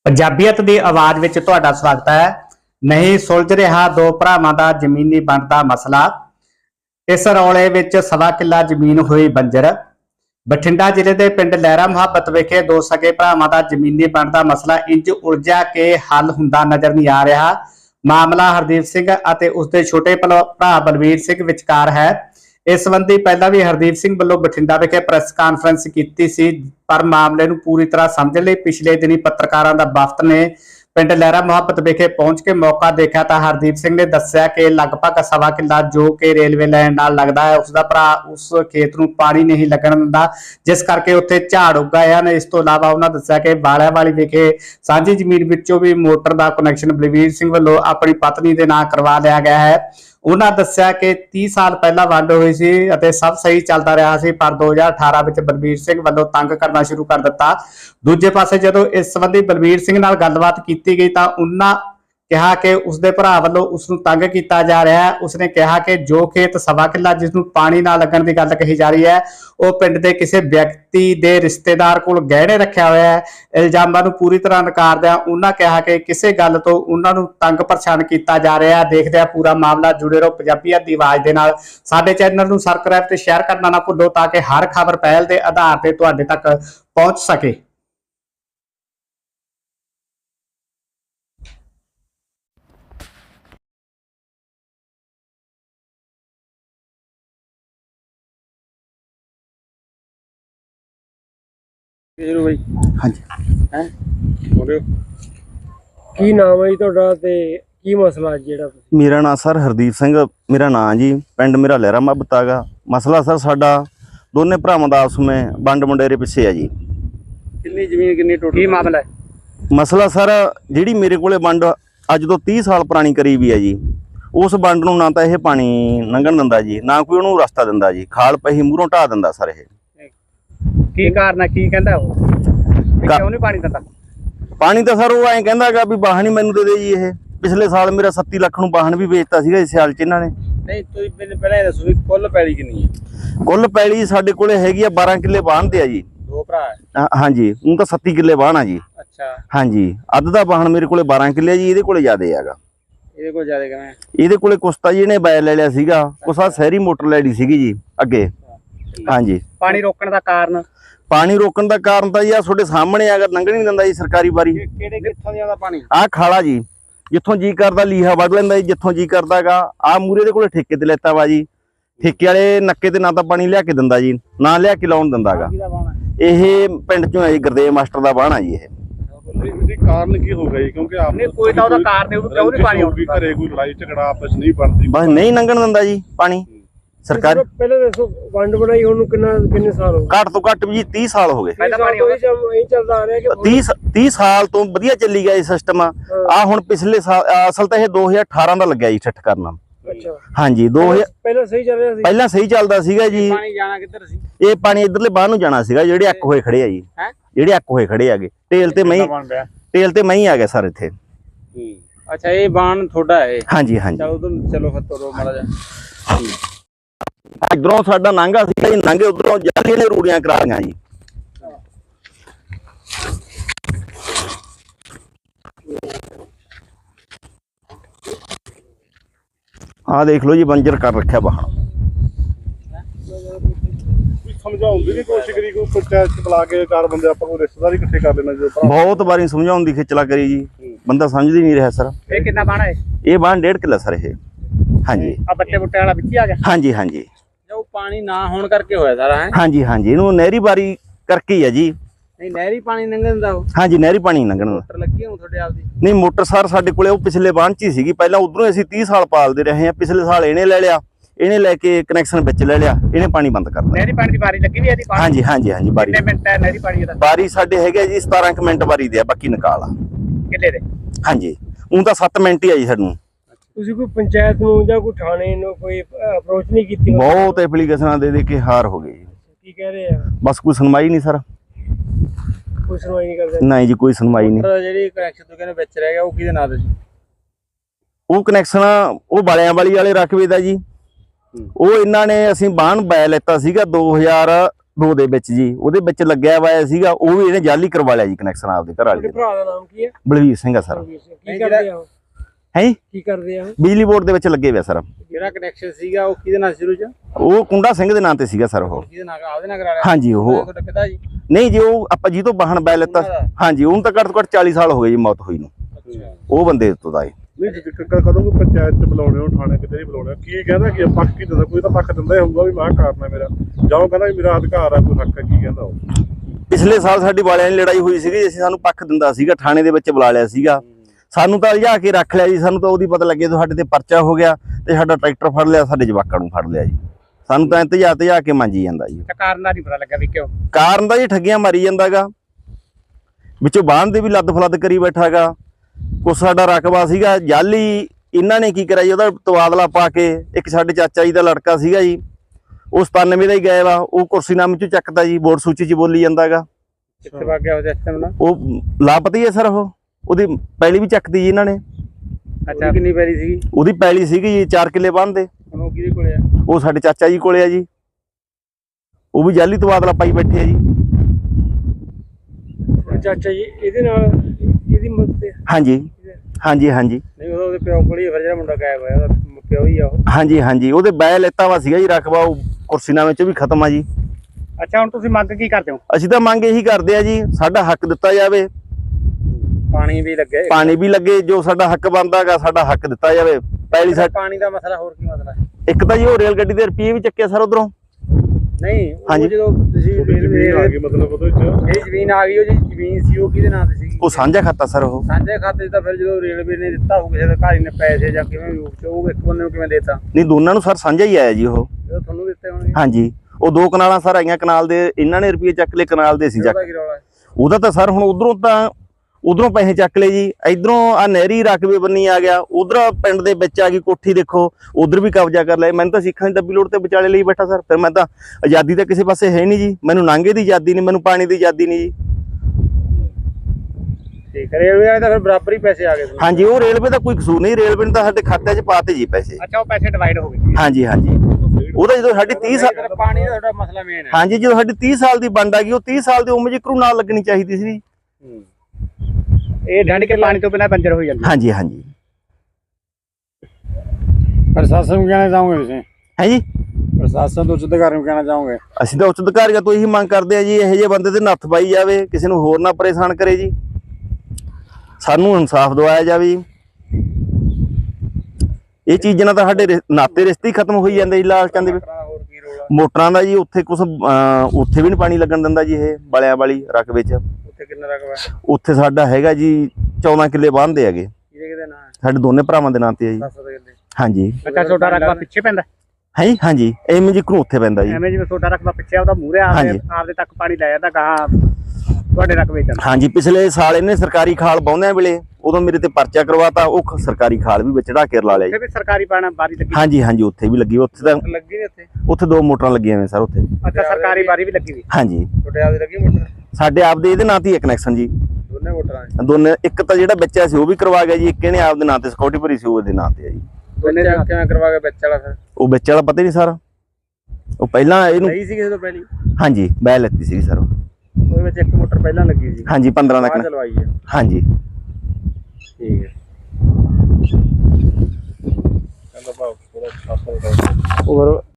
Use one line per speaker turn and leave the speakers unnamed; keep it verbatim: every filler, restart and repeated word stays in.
ਪੰਜਾਬੀਅਤ ਦੀ ਆਵਾਜ਼ ਵਿੱਚ ਤੁਹਾਡਾ ਸਵਾਗਤ ਹੈ। ਨਹੀਂ ਸੁਲਝ ਰਿਹਾ ਦੋ ਭਰਾਵਾਂ ਦਾ ਜ਼ਮੀਨੀ ਵੰਡ ਦਾ ਮਸਲਾ। ਇਸ ਰੌਲੇ ਵਿੱਚ ਸਵਾ ਕਿੱਲਾ ਜ਼ਮੀਨ ਹੋਈ ਬੰਜਰ। ਬਠਿੰਡਾ ਜ਼ਿਲ੍ਹੇ ਦੇ ਪਿੰਡ ਲਹਿਰਾ ਮੁਹੱਬਤ ਵਿਖੇ ਦੋ ਸਕੇ ਭਰਾਵਾਂ ਦਾ ਜ਼ਮੀਨੀ ਵੰਡ ਦਾ ਮਸਲਾ ਇੰਜ ਉਲਝਿਆ ਕਿ ਹੱਲ ਹੁੰਦਾ ਨਜ਼ਰ ਨਹੀਂ ਆ ਰਿਹਾ। ਮਾਮਲਾ ਹਰਦੀਪ ਸਿੰਘ ਅਤੇ ਉਸਦੇ ਛੋਟੇ ਭਰਾ ਬਲਵੀਰ ਸਿੰਘ ਵਿਚਕਾਰ ਹੈ। इस संबंधी पहला भी हरदीप सिंह वालों बठिंडा विखे प्रेस कॉन्फ्रेंस की सी, पर मामले नूं पूरी तरह समझ लई पिछले दिनी पत्रकारां दा वफद ने पिंड लहरा मुहब्बत विखे पहुंच के मौका देखा तो हरदीप सिंह ने दस्सिया कि लगभग सवा किला जो कि रेलवे लाइन नाल लगदा है उसका भरा उस खेत नूं पानी नहीं लगन दिंदा, जिस करके उत्थे झाड़ उग गए हैं। इस तो इलावा उन्होंने दस्सिया कि बालिया वाली विखे सांझी जमीन विचों भी मोटर का कनैक्शन बलवीर सिंह वालों अपनी पत्नी के नाम करवा लिया गया है। उन्होंने दस्सिया कि तीस साल पहला वंड हुई सी अते सब सही चलता रहा सी, पर दो हज़ार अठारह विच बलबीर सिंह वालों तंग करना शुरू कर दिता। दूजे पासे जदों इस संबंधी बलबीर सिंह नाल गलबात की गई तो उन्होंने कहा कि उसके भरा वालों उसनूं तंग किया जा रहा है। उसने कहा कि जो खेत सवा किला जिसनूं पानी ना लगन की गल कही जा रही है वह पिंड के किसी व्यक्ति के रिश्तेदार को गहने रखा हुआ है। इल्जामां नूं पूरी तरह नकारदिआं उन्होंने कहा कि किसी गल तो उन्होंने तंग परेशान किया जा रहा है। देखते हैं पूरा मामला, जुड़े रहो पंजाबीअत दी आवाज़ दे नाल। साडे चैनल नूं सबसक्राइब ते शेयर करना ना भुल्लो ताकि हर खबर पहल के आधार पर तुहाडे तक पहुंच सके।
हाँ जी
हैं बोलियो
की नाम है जी तुहाडा ते की मसला जेड़ा
मेरा नाम सर हरदीप सिंह मेरा नाम जी, पिंड मेरा लहरा मुहब्बत आगा। मसला सर साडा दोने भरावां दा आपस में वंड मुंडेरे पिछे है जी।
कितनी जमीन कितनी टोटल की मामला है?
मसला सर जिहड़ी मेरे कोले वंड अज तो तीस साल पुरानी करी भी है जी, उस वंड नूं ना तां इह पानी लंघण दिंदा जी, ना कोई उहनूं रस्ता दिंदा जी। खाल पही मूहरों ढा दिंदा सर। इह
की कारण है, की कहंदा वो क्यों नहीं पानी दिंदा?
पानी तो सर वो ऐ कहंदा गा भी वाहन ही मैनूं दे दे जी। इह पिछले साल मेरा सत्ती लख नूं वाहन भी बेचता सीगा इस साल च इन्हां ने।
नहीं तुसीं मैनूं पहले दसो भी कुल पैली कितनी है?
कुल पैली साडे कोले हैगी आ बारह किले वाहन ते आ जी।
दो भरा है?
हाँ हाँ जी, हूँ तो सत्ती किले वाहन आ जी।
अच्छा
हाँ जी, अद्ध दा वाहन मेरे कोले बारह किले जी, इहदे कोले ज्यादा हैगा।
ਇਹਦੇ ਕੋਲ ਜ਼ਿਆਦਾ ਕਿਵੇਂ?
ਇਹਦੇ ਕੋਲੇ ਕੁਸਤਾ ਜੀ ਨੇ ਬੈ ਲੈ ਲਿਆ ਸੀਗਾ, ਕੁਛ ਆ ਸ਼ਹਿਰੀ ਮੋਟਰ ਲੈੜੀ ਸੀਗੀ ਜੀ ਅੱਗੇ। ਹਾਂਜੀ,
ਪਾਣੀ ਰੋਕਣ ਦਾ ਕਾਰਨ
ਪਾਣੀ ਰੋਕਣ ਦਾ ਕਾਰਨ ਤਾਂ ਜੀ ਆ ਤੁਹਾਡੇ ਸਾਹਮਣੇ ਅਗਰ ਲੰਘਣ ਨਹੀਂ ਦਿੰਦਾ ਜੀ ਸਰਕਾਰੀ ਬਾਰੀ।
ਕਿਹੜੇ ਕਿੱਥੋਂ ਦੀ ਆਉਂਦਾ ਪਾਣੀ?
ਆਹ ਖਾਲਾ ਜੀ, ਜਿੱਥੋਂ ਜੀ ਕਰਦਾ ਲੀਹਾ ਵੱਢ ਲੈਂਦਾ ਜੀ, ਜਿੱਥੋਂ ਜੀ ਕਰਦਾਗਾ। ਆਹ ਮੂਰੇ ਦੇ ਕੋਲੇ ਠੇਕੇ ਤੇ ਲੈਤਾ ਵਾ ਜੀ। ਠੇਕੇ ਵਾਲੇ ਨੱਕੇ ਤੇ ਨਾ ਤਾਂ ਪਾਣੀ ਲਿਆ ਕੇ ਦਿੰਦਾ ਜੀ, ਨਾ ਲਿਆ ਕੇ ਲਾਉਣ ਦਿੰਦਾਗਾ। ਇਹ ਪਿੰਡ ਚੋਂ ਹੈ ਜੀ, ਗੁਰਦੇਵ ਮਾਸਟਰ ਦਾ ਬਾਣਾ ਜੀ। ਇਹ
ਇਹਦੇ ਕਾਰਨ ਕੀ ਹੋ ਗਿਆ ਜੀ? ਕਿਉਂਕਿ ਆਪ
ਨਹੀਂ ਕੋਈ ਤਾਂ ਉਹਦਾ ਕਾਰਨ ਹੈ, ਉਹ ਕਿਉਂ ਨਹੀਂ ਪਾਣੀ ਆਉਂਦਾ?
ਘਰੇ ਕੋਈ ਲੜਾਈ ਝਗੜਾ ਆਪਸ ਨਹੀਂ ਬਣਦੀ,
ਬਸ ਨਹੀਂ ਲੰਘਣ ਦਿੰਦਾ ਜੀ ਪਾਣੀ ਸਰਕਾਰ।
पहले दसो वंड बनाई ਉਹਨੂੰ ਕਿੰਨਾ ਕਿੰਨੇ ਸਾਲ ਹੋ ਗਏ?
ਘੱਟ ਤੋਂ ਘੱਟ ਵੀ तीस साल हो गए।
ਪਹਿਲਾਂ ਪਾਣੀ ਆਉਂਦਾ
ਇਹ ਚੱਲਦਾ ਆ ਰਿਹਾ ਕਿ
तीस तीस साल तो ਵਧੀਆ ਚੱਲੀ ਗਿਆ ਇਹ ਸਿਸਟਮ। ਆ ਹੁਣ ਪਿਛਲੇ ਸਾਲ ਅਸਲ ਤਾਂ ਇਹ दो हज़ार अठारह ਦਾ ਲੱਗਿਆ ਜੀ ਠੱਠ ਕਰਨਾ।
ਅੱਛਾ
ਹਾਂਜੀ, दो हज़ार
ਪਹਿਲਾਂ ਸਹੀ ਚੱਲ ਰਿਹਾ ਸੀ।
ਪਹਿਲਾਂ ਸਹੀ ਚੱਲਦਾ ਸੀਗਾ ਜੀ।
ਪਾਣੀ ਜਾਣਾ ਕਿੱਧਰ ਸੀ?
ਇਹ ਪਾਣੀ ਇਧਰਲੇ ਬਾਹਰ ਨੂੰ ਜਾਣਾ ਸੀਗਾ, ਜਿਹੜੇ ਅੱਕ ਹੋਏ ਖੜੇ ਆ ਜੀ।
ਹੈ
ਜਿਹੜੇ ਅੱਕ ਹੋਏ ਖੜੇ ਆਗੇ ਟੇਲ ਤੇ ਮੈਂ ਟੇਲ ਤੇ ਮੈਂ ਹੀ ਆ ਗਿਆ ਸਰ ਇੱਥੇ।
ਅੱਛਾ ਇਹ ਬਾਣ ਤੁਹਾਡਾ ਹੈ?
ਹਾਂਜੀ ਹਾਂਜੀ,
ਚਲੋ ਤੁਮ ਚਲੋ ਫਿਰ ਤੋਰੋ ਮਾੜਾ ਜਾ।
ਇਧਰੋਂ ਸਾਡਾ ਨਾਂਗਾ ਸੀਗਾ ਜੀ, ਨਾਂਗੇ ਉਧਰੋਂ ਜਾਲੀ ਨੇ ਰੂੜੀਆਂ ਕਰਾ ਲਈਆਂ ਜੀ। ਆ ਦੇਖ ਲਓ ਜੀ, ਬੰਜਰ ਕਰ ਰੱਖਿਆ ਵਾਹਣ।
ਸਮਝਾਉਣ ਦੀ ਕੋਸ਼ਿਸ਼ ਕਰੀ, ਕੋਈ ਪੰਚਾਇਤ ਚ ਬੁਲਾ ਕੇ ਚਾਰ ਬੰਦੇ ਆਪਾਂ ਕੋਈ ਰਿਸ਼ਤੇਦਾਰ ਇਕੱਠੇ ਕਰ ਲੈਣਾ ਜੀ।
ਬਹੁਤ ਵਾਰੀ ਸਮਝਾਉਣ ਦੀ ਖੇਚਲਾ ਕਰੀ ਜੀ, ਬੰਦਾ ਸਮਝਦੀ ਨਹੀਂ ਰਿਹਾ ਸਰ।
ਇਹ ਕਿੰਨਾ ਬਾਣਾ ਹੈ?
ਇਹ ਬਾਣ ਡੇਢ ਕਿੱਲਾ ਸਰ ਇਹ। ਹਾਂਜੀ
ਆ ਬੱਟੇ ਬੁੱਟੇ ਵਾਲਾ ਵਿੱਚ ਹੀ ਆ ਗਿਆ?
ਹਾਂਜੀ ਹਾਂਜੀ
ਜੋ ਪਾਣੀ ਨਾ ਹੋਣ ਕਰਕੇ ਹੋਇਆ ਸਾਰਾ ਹੈ?
ਹਾਂਜੀ ਹਾਂਜੀ, ਇਹਨੂੰ ਨਹਿਰੀ ਬਾਰੀ ਕਰਕੇ ਹੀ ਆ ਜੀ।
ਨਹੀਂ ਨਹਿਰੀ ਪਾਣੀ ਲੰਘਣ ਦਿੰਦਾ ਉਹ?
ਹਾਂਜੀ, ਨਹਿਰੀ ਪਾਣੀ ਲੰਘਣ ਦਾ।
ਮੋਟਰ ਲੱਗੀ ਹੋਊ ਤੁਹਾਡੇ ਆਪ ਦੀ?
ਨਹੀਂ ਮੋਟਰ ਸਰ ਸਾਡੇ ਕੋਲੇ ਉਹ ਪਿਛਲੇ ਬਾਣ ਚ ਹੀ ਸੀਗੀ। ਪਹਿਲਾਂ ਉਧਰੋਂ ਅਸੀਂ तीस ਸਾਲ ਪਾਲਦੇ ਰਹੇ ਆ। ਪਿਛਲੇ ਸਾਲ ਇਹਨੇ ਲੈ ਲਿਆ, ਇਹਨੇ ਲੈ ਕੇ ਕਨੈਕਸ਼ਨ ਵਿੱਚ ਲੈ ਲਿਆ, ਇਹਨੇ ਪਾਣੀ ਬੰਦ ਕਰ ਦਿੱਤਾ।
ਨਹਿਰੀ ਪਾਣੀ ਦੀ ਵਾਰੀ ਲੱਗੀ ਵੀ ਇਹਦੀ ਪਾਣੀ?
ਹਾਂਜੀ ਹਾਂਜੀ ਹਾਂਜੀ, ਬਾਰੀ
ਕਿੰਨੇ ਮਿੰਟ ਹੈ ਨਹਿਰੀ ਪਾਣੀ ਦਾ?
ਬਾਰੀ ਸਾਡੇ ਹੈਗੇ ਜੀ सतारह ਕੁ ਮਿੰਟ ਬਾਰੀ ਦੇ ਆ, ਬਾਕੀ ਨਿਕਾਲ ਆ।
ਕਿੱਲੇ ਦੇ?
ਹਾਂਜੀ, ਉਹ ਤਾਂ ਸੱਤ ਮਿੰਟ ਹੀ ਆ ਜੀ ਸਾਨੂੰ।
ਤੁਸੀਂ ਕੋਈ ਪੰਚਾਇਤ ਨੂੰ ਜਾਂ ਕੋਈ ਥਾਣੇ ਨੂੰ ਕੋਈ ਅਪਰੋਚ ਨਹੀਂ ਕੀਤੀ?
ਬਹੁਤ ਐਪਲੀਕੇਸ਼ਨਾਂ ਦੇ ਦੇ ਕੇ ਹਾਰ ਹੋ ਗਏ ਜੀ।
ਕੀ ਕਹਿ ਰਹੇ ਆ?
ਬਸ ਕੋਈ ਸੁਣਵਾਈ ਨਹੀਂ ਸਰ।
ਕੋਈ ਸੁਣਵਾਈ ਨਹੀਂ ਕਰਦੇ?
ਨਹੀਂ ਜੀ, ਕੋਈ ਸੁਣਵਾਈ ਨਹੀਂ।
ਮੋਟਰ ਜਿਹੜੀ ਕਨੈਕਸ਼ਨ ਤੋਂ ਕਹਿੰਦੇ ਵਿੱਚ ਰਹਿ ਗਿਆ ਉਹ ਕਿਹਦੇ ਨਾਂ ਤੇ ਸੀ?
ਉਹ ਕਨੈਕਸ਼ਨ ਉਹ ਬਾਲਿਆਂ ਵਾਲੀ ਵਾਲੇ ਰਕਬੇ ਦਾ ਜੀ। ਉਹ ਇਹਨਾਂ ਨੇ ਅਸੀਂ ਬਾਣ ਬੈ ਲੈਤਾ ਸੀਗਾ दो हज़ार ਦੋ ਦੇ ਵਿੱਚ ਜੀ ਉਹਦੇ ਵਿੱਚ ਲੱਗਿਆ ਹੋਇਆ ਸੀਗਾ, ਉਹ ਵੀ ਇਹਨੇ ਜਾਲੀ ਕਰਵਾ ਲਿਆ ਜੀ ਕਨੈਕਸ਼ਨ ਆਪਦੇ ਘਰ ਵਾਲੇ
ਤੁਹਾਡੇ ਭਰਾ ਦਾ ਨਾਮ ਕੀ ਹੈ?
ਬਲਵੀਰ ਸਿੰਘ ਆ ਸਰ।
ਕੀ ਕਰਦੇ ਆ ਉਹ?
ਹੈ ਜੀ
ਕੀ ਕਰਦੇ ਆ ਉਹ?
ਬਿਜਲੀ ਬੋਰਡ ਦੇ ਵਿੱਚ ਲੱਗੇ ਹੋਇਆ ਸਰ।
ਜਿਹੜਾ ਕਨੈਕਸ਼ਨ ਸੀਗਾ ਉਹ ਕਿਹਦੇ ਨਾਲ ਸ਼ੁਰੂ ਚ?
ਉਹ ਕੁੰਡਾ ਸਿੰਘ ਦੇ ਨਾਂ ਤੇ ਸੀਗਾ ਸਰ ਉਹ।
ਕਿਹਦੇ ਨਾਲ? ਆਪਦੇ ਨਾਲ ਕਰਾ ਲਿਆ?
ਹਾਂਜੀ ਉਹ
ਤੁਹਾਡਾ ਪਿਤਾ ਜੀ?
ਨਹੀਂ ਜੀ, ਉਹ ਆਪਾਂ ਜੀ ਤੋਂ ਵਾਹਨ ਬੈ ਲੈਤਾ। ਹਾਂਜੀ ਉਹਨੂੰ ਤਾਂ ਘੱਟ ਤੋਂ ਘੱਟ ਚਾਲੀ ਸਾਲ ਹੋ ਗਏ ਜੀ ਮੌਤ ਹੋਈ ਨੂੰ। ਉਹ ਬੰਦੇ ਤੋਂ ਦਾ
ਨਹੀਂ ਜੀ, ਕ- ਕ- ਕਦੋਂ ਕੋਈ ਪੰਚਾਇਤ ਚ ਬੁਲਾਉਣੇ ਹੋ, ਥਾਣੇ ਕਿਤੇ ਨਹੀਂ ਬੁਲਾਉਣੇ, ਕੀ ਕਹਿੰਦਾ ਕਿ ਪੱਖ ਕੀ ਦਿੰਦਾ? ਕੋਈ ਤਾਂ ਪੱਖ ਦਿੰਦਾ ਹੀ ਹੋਊਗਾ ਵੀ ਮੈਂ ਆਹ ਕਾਰਨ ਹੈ ਮੇਰਾ, ਜਾਂ ਉਹ ਕਹਿੰਦਾ ਵੀ ਮੇਰਾ ਅਧਿਕਾਰ ਆ, ਕੋਈ ਹੱਕ ਹੈ, ਕੀ ਕਹਿੰਦਾ ਉਹ?
ਪਿਛਲੇ ਸਾਲ ਸਾਡੀ ਵਾਲਿਆਂ ਦੀ ਲੜਾਈ ਹੋਈ ਸੀਗੀ, ਅਸੀਂ ਸਾਨੂੰ ਪੱਖ ਦਿੰਦਾ ਸੀਗਾ, ਥਾਣੇ ਦੇ ਵਿੱਚ ਬੁਲਾ ਲਿਆ ਸੀਗਾ, ਸਾਨੂੰ ਤਾਂ ਲਿਜਾ ਕੇ ਰੱਖ ਲਿਆ ਜੀ। ਸਾਨੂੰ ਤਾਂ ਉਹਦੀ ਪਤਾ ਲੱਗੇ ਸਾਡੇ ਤੇ ਪਰਚਾ ਹੋ ਗਿਆ ਤੇ ਸਾਡਾ ਟਰੈਕਟਰ ਫੜ ਲਿਆ, ਸਾਡੇ ਜਵਾਕਾਂ ਨੂੰ ਫੜ ਲਿਆ ਜੀ। ਸਾਨੂੰ ਤਾਂ ਇੰਤਜਾ ਤਜਾ ਕੇ ਮੰਜੀ ਜਾਂਦਾ ਜੀ।
ਕਾਰਨ ਦਾ ਨਹੀਂ ਪਤਾ ਲੱਗਾ ਵੀ ਕਿਉਂ?
ਕਾਰਨ ਦਾ ਜੀ ਠੱਗੀਆਂ ਮਾਰੀ ਜਾਂਦਾਗਾ, ਵਿੱਚੋਂ ਬਾਹਨ ਦੇ ਵੀ ਲੱਦ ਫਲੱਦ ਕਰੀ ਬੈਠਾਗਾ। ਕੁਛ ਸਾਡਾ ਰਕਬਾ ਸੀਗਾ ਜਾਲੀ, ਇਹਨਾਂ ਨੇ ਕੀ ਕਰਿਆ ਜੀ, ਉਹਦਾ ਤਬਾਦਲਾ ਪਾ ਕੇ ਇੱਕ ਸਾਡੇ ਚਾਚਾ ਜੀ ਦਾ ਲੜਕਾ ਸੀਗਾ ਜੀ, ਉਹ ਸਤਾਨਵੇਂ ਦਾ ਹੀ ਗਾਇਬ ਆ, ਉਹ ਕੁਰਸੀਨਾਮੇ ਚੋਂ ਚੱਕਦਾ ਜੀ, ਵੋਟ ਸੂਚੀ 'ਚ ਬੋਲੀ ਜਾਂਦਾਗਾ।
ਕਿੱਥੇ ਵਗ ਗਿਆ ਉਹ ਸਿਸਟਮ ਨਾਲ?
ਉਹ ਲਾਪਤਾ ਹੀ ਹੈ ਸਰ। ਉਹ ਉਹਦੀ ਪੈਲੀ ਵੀ ਚੱਕਦੀ ਜੀ ਇਹਨਾਂ ਨੇ।
ਅੱਛਾ, ਕਿੰਨੀ ਪੈਰੀ ਸੀਗੀ?
ਉਹਦੀ ਪੈਲੀ ਸੀਗੀ ਜੀ ਚਾਰ ਕਿੱਲੇ ਬੰਨਦੇ,
ਹੁਣ ਉਹ ਕਿਹਦੇ ਕੋਲੇ ਆ?
ਉਹ ਸਾਡੇ ਚਾਚਾ ਜੀ ਕੋਲੇ ਆ ਜੀ, ਉਹ ਵੀ ਜਾਲੀ ਤਬਾਦਲਾ ਪਾਈ ਬੈਠੇ ਆ ਜੀ।
ਚਾਚਾ ਜੀ ਇਹਦੇ ਨਾਲ ਇਹਦੀ ਮਦਦ ਤੇ
ਹਾਂਜੀ ਹਾਂਜੀ ਹਾਂਜੀ
ਨਹੀਂ ਉਹ ਉਹਦੇ ਪਿਓ ਕੋਲ ਹੀ ਆ, ਫਿਰ ਜਿਹੜਾ ਮੁੰਡਾ ਗਾਇਬ ਹੋਇਆ ਉਹਦਾ ਪਿਓ ਹੀ ਆ ਉਹ।
ਹਾਂਜੀ ਹਾਂਜੀ ਉਹਦੇ ਬੈ ਲੈਤਾ ਵਾ ਸੀਗਾ ਜੀ ਰਕਬਾ, ਉਹ ਕੁਰਸੀਨਾਮੇ 'ਚ ਵੀ ਖਤਮ ਆ ਜੀ।
ਅੱਛਾ, ਹੁਣ ਤੁਸੀਂ ਮੰਗ ਕੀ ਕਰਦੇ ਹੋ?
ਅਸੀਂ ਤਾਂ ਮੰਗ ਇਹੀ ਕਰਦੇ ਆ ਜੀ, ਸਾਡਾ ਹੱਕ ਦਿੱਤਾ ਜਾਵੇ,
ਪਾਣੀ ਵੀ ਲੱਗੇ,
ਪਾਣੀ ਵੀ ਲੱਗੇ, ਜੋ ਸਾਡਾ ਹੱਕ ਬਣਦਾਗਾ ਸਾਡਾ ਹੱਕ ਦਿੱਤਾ ਜਾਵੇ। ਪਹਿਲੀ ਸਾਡ
ਪਾਣੀ ਦਾ ਮਸਲਾ, ਹੋਰ ਕੀ ਮਸਲਾ ਹੈ?
ਇੱਕ ਤਾਂ ਜੀ ਉਹ ਰੇਲ ਗੱਡੀ ਦੇ ਰੁਪਏ ਵੀ ਚੱਕਿਆ ਸਰ ਉਧਰੋਂ।
ਨਹੀਂ ਉਹ
ਹਾਂਜੀ।
ਜਦੋਂ ਤੁਸੀਂ
ਤੁਹਾਡੀ ਜ਼ਮੀਨ ਆ ਗਈ ਮਤਲਬ ਉਹਦੇ ਚ?
ਇਹ ਜ਼ਮੀਨ ਆ ਗਈ, ਉਹ ਜਿਹੜੀ ਜ਼ਮੀਨ ਸੀ ਉਹ ਕਿਹਦੇ ਨਾਂ ਤੇ ਸੀਗੀ?
ਉਹ ਸਾਂਝਾ ਖਾਤਾ ਸਰ ਉਹ।
ਸਾਂਝੇ ਖਾਤੇ 'ਚ ਤਾਂ ਫਿਰ ਜਦੋਂ ਰੇਲਵੇ ਨੇ ਦਿੱਤਾ ਹੋਊ ਕਿਸੇ ਦੇ ਘਰ ਨੇ ਪੈਸੇ ਜਾਂ ਕਿਵੇਂ ਰੂਪ 'ਚ, ਉਹ ਇੱਕ ਬੰਦੇ ਨੂੰ ਕਿਵੇਂ ਦੇਤਾ?
ਨਹੀਂ ਦੋਨਾਂ ਨੂੰ ਸਰ ਸਾਂਝਾ ਹੀ ਆਇਆ ਜੀ ਉਹ।
ਜਦੋਂ ਤੁਹਾਨੂੰ ਦਿੱਤੇ ਹੋਣਗੇ
ਹਾਂਜੀ ਉਹ ਦੋ ਕਨਾਲਾਂ ਸਰ ਆਈਆਂ, ਕਨਾਲ ਦੇ ਇਹਨਾਂ ਨੇ ਰੁਪਏ ਚੱਕ ਲਏ, ਕਨਾਲ ਦੇ ਸੀ ਚੱਕ।
ਉਹਦਾ ਕੀ ਰੌਲਾ ਹੈ?
ਉਹਦਾ ਤਾਂ ਸਰ ਹੁਣ ਉਧਰੋਂ ਤਾਂ ਉਧਰੋਂ ਪੈਸੇ ਚੱਕ ਲਏ ਜੀ, ਇਧਰੋਂ ਆ ਨਹਿਰੀ ਰਕਬੇ ਬੰਨੀ ਆ ਗਿਆ, ਉਧਰ ਪਿੰਡ ਦੇ ਵਿੱਚ ਆ ਗਈ ਕੋਠੀ, ਦੇਖੋ ਉਧਰ ਵੀ ਕਬਜ਼ਾ ਕਰ ਲਿਆ। ਮੈਨੂੰ ਤਾਂ ਸਿੱਖਾਂ ਦੀ ਦੱਬੀ ਲੋੜ ਤੇ ਵਿਚਾਲੇ ਲਈ ਬੈਠਾ ਸਰ। ਫਿਰ ਮੈਂ ਤਾਂ ਆਜ਼ਾਦੀ ਤਾਂ ਕਿਸੇ ਪਾਸੇ ਹੈ ਨਹੀਂ ਜੀ, ਮੈਨੂੰ ਨਾਂਗੇ ਦੀ ਆਜ਼ਾਦੀ ਨਹੀਂ, ਮੈਨੂੰ ਪਾਣੀ ਦੀ ਆਜ਼ਾਦੀ ਨਹੀਂ ਜੀ।
ਠੀਕ ਹੈ, ਰੇਲਵੇ ਵਾਲੇ ਤਾਂ ਫਿਰ ਬਰਾਬਰ ਹੀ ਪੈਸੇ ਆ ਗਏ ਤੁਹਾਨੂੰ।
ਹਾਂਜੀ ਉਹ ਰੇਲਵੇ ਦਾ ਕੋਈ ਕਸੂਰ ਨਹੀਂ, ਰੇਲਵੇ ਨੇ ਤਾਂ ਸਾਡੇ ਖਾਤੇ 'ਚ ਪਾਤੇ ਜੀ ਪੈਸੇ।
ਅੱਛਾ, ਉਹ ਪੈਸੇ ਡਿਵਾਈਡ ਹੋ ਗਏ।
ਹਾਂਜੀ ਹਾਂਜੀ ਉਹਦਾ ਜਦੋਂ ਸਾਡੀ ਤੀਹ ਸਾਲ
ਪਾਣੀ ਦਾ ਤੁਹਾਡਾ ਮਸਲਾ ਮੇਨ ਹੈ।
ਹਾਂਜੀ ਜਦੋਂ ਸਾਡੀ ਤੀਹ ਸਾਲ ਦੀ ਵੰਡ ਆ ਗਈ, ਉਹ ਤੀਹ ਸਾਲ ਦੀ ਉਮਰ ਜ਼ਿਕਰੂ ਨਾਲ ਲੱਗਣੀ ਚਾਹੀਦੀ ਸੀ।
ਇਹ ਡੰਡ ਕੇ ਪਾਣੀ ਤੋਂ ਬਿਨਾਂ ਬੰਜਰ ਹੋ ਜਾਂਦੀ।
ਹਾਂਜੀ ਹਾਂਜੀ
प्रशासन को कहना चाहोगे ਤੁਸੀਂ?
ਹੈ ਜੀ
प्रशासन ਤੋਂ ਉੱਚ ਅਧਿਕਾਰੀ ਨੂੰ ਕਹਿਣਾ ਚਾਹੋਗੇ?
ਅਸੀਂ ਤਾਂ ਉੱਚ ਅਧਿਕਾਰੀਆਂ ਤੋਂ ਇਹੀ ਮੰਗ ਕਰਦੇ ਆ ਜੀ, ਇਹੋ ਜਿਹੇ ਬੰਦੇ ਤੇ ਨੱਥ ਪਾਈ ਜਾਵੇ, ਕਿਸੇ ਨੂੰ ਹੋਰ ਨਾ ਪਰੇਸ਼ਾਨ ਕਰੇ ਜੀ, ਸਾਨੂੰ ਇਨਸਾਫ ਦਿਵਾਇਆ ਜਾਵੇ ਜੀ। ਇਹ ਚੀਜ਼ਾਂ ਨਾਲ ਤਾਂ ਸਾਡੇ ਰਿ- ਨਾਤੇ ਰਿਸ਼ਤੇ ਹੀ ਖਤਮ ਹੋਈ ਜਾਂਦੇ ਜੀ ਲਾਲਚਾਂ ਦੇ ਵਿੱਚ।
ਹੋਰ ਕੀ ਰੋਲਾ?
ਮੋਟਰਾਂ ਦਾ ਜੀ ਉੱਥੇ ਕੁਛ ਅਹ, ਉੱਥੇ ਵੀ ਨਹੀਂ ਪਾਣੀ ਲੱਗਣ ਦਿੰਦਾ ਜੀ ਇਹ ਬਾਲਿਆਂ ਵਾਲੀ ਰਕਬੇ 'ਚ।
ਉੱਥੇ ਕਿੰਨਾ ਰਕਬਾ ਹੈ?
ਉੱਥੇ ਸਾਡਾ ਹੈਗਾ ਜੀ ਚੌਦਾਂ ਕਿੱਲੇ ਬਾਂਹਦੇ ਹੈਗੇ,
ਕਿਹਦੇ ਕਿਹਦੇ ਨਾਂ ਹੈ?
ਸਾਡੇ ਦੋਨੇ ਭਰਾਵਾਂ ਦੇ ਨਾਂ ਤੇ ਆ ਜੀ।
ਦੱਸ ਦੋ ਕਿੱਲੇ।
ਹਾਂਜੀ
ਅੱਛਾ, ਛੋਟਾ ਰਕਬਾ ਪਿੱਛੇ ਪੈਂਦਾ?
ਹੈ ਜੀ ਹਾਂਜੀ ਐਵੇਂ ਜੀ ਘਰੋਂ ਉੱਥੇ ਪੈਂਦਾ ਜੀ।
ਐਵੇਂ ਜਿਵੇਂ ਛੋਟਾ ਰਕਬਾ ਪਿੱਛੇ ਉਹਦਾ ਮੂਹਰੇ ਆਪਦੇ
ਹਾਂਜੀ।
ਆਪਦੇ ਤੱਕ ਪਾਣੀ ਲੈ ਜਾਂਦਾ, ਗਾਹਾਂ ਤੁਹਾਡੇ ਰਕਬੇ 'ਚ।
ਹਾਂਜੀ ਪਿਛਲੇ ਸਾਲ ਇਹਨੇ ਸਰਕਾਰੀ ਖਾਲ ਬਾਉਂਦਿਆਂ ਵੇਲੇ ਉਦੋਂ ਮੇਰੇ ਤੇ ਪਰਚਾ ਕਰਵਾਤਾ, ਉਹ ਖ- ਸਰਕਾਰੀ ਖਾਲ ਵੀ ਵਿੱਚ ਚੜਾ ਕੇ ਲਾ ਲਿਆ ਜੀ।
ਉੱਥੇ ਵੀ ਸਰਕਾਰੀ ਪਾਣਾ ਬਾਰੀ ਲੱਗੀ?
ਹਾਂਜੀ ਹਾਂਜੀ ਉੱਥੇ ਵੀ ਲੱਗੀ, ਉੱਥੇ ਤਾਂ
ਲੱਗੀ ਨੀ ਉੱਥੇ?
ਉੱਥੇ ਦੋ ਮੋਟਰਾਂ ਲੱਗੀਆਂ ਹੋਈਆਂ ਸਰ ਉੱਥੇ।
ਅੱਛਾ, ਸਰਕਾਰੀ ਬਾਰੀ ਵੀ ਲੱਗੀ ਵੀ?
ਹਾਂਜੀ
ਛੋਟੇ ਆਪਦੇ ਲੱਗੀ ਮੋਟਰ?
ਸਾਡੇ ਆਪਦੇ ਇਹਦੇ ਨਾਂ ਤੇ ਹੀ ਹੈ ਕਨੈਕਸ਼ਨ ਜੀ,
ਦੋਨੇ ਮੋਟਰਾਂ ਨੇ?
ਦੋਨੇ। ਇੱਕ ਤਾਂ ਜਿਹੜਾ ਬੱਚਾ ਸੀ ਉਹ ਵੀ ਕਰਵਾ ਗਿਆ ਜੀ, ਇੱਕ ਇਹਨੇ ਆਪਦੇ ਨਾਂ ਤੇ ਸਿਕਿਉਰਿਟੀ ਭਰੀ ਸੀ, ਉਹਦੇ ਨਾਂ ਤੇ ਹੈ ਜੀ।
ਦੋਨੇ ਕਿਵੇਂ ਕਰਵਾ ਕੇ ਵਿੱਚ ਵਾਲਾ ਫਿਰ?
ਉਹ ਵਿੱਚ ਵਾਲਾ ਪਤਾ ਹੀ ਨਹੀਂ ਸਰ, ਉਹ ਪਹਿਲਾਂ ਇਹਨੂੰ
ਸਹੀ ਸੀ ਕਿਸੇ ਤੋਂ ਪਹਿਲੀ?
ਹਾਂਜੀ ਬੈ ਲੈਤੀ ਸੀ ਸਰ।
ਉਹਦੇ ਵਿੱਚ ਇੱਕ ਮੋਟਰ ਪਹਿਲਾਂ ਲੱਗੀ ਸੀ?
ਹਾਂਜੀ ਪੰਦਰਾਂ ਦਾ
ਬਾਅਦ
ਕਨ-
ਚਲਵਾਈ ਹੈ?
ਹਾਂਜੀ
ਠੀਕ ਹੈ।
ਕਹਿੰਦਾ ਭਾਵ ਥੋੜਾ ਸ਼ਾਸਨ ਕਰੋ।
ਹੋਰ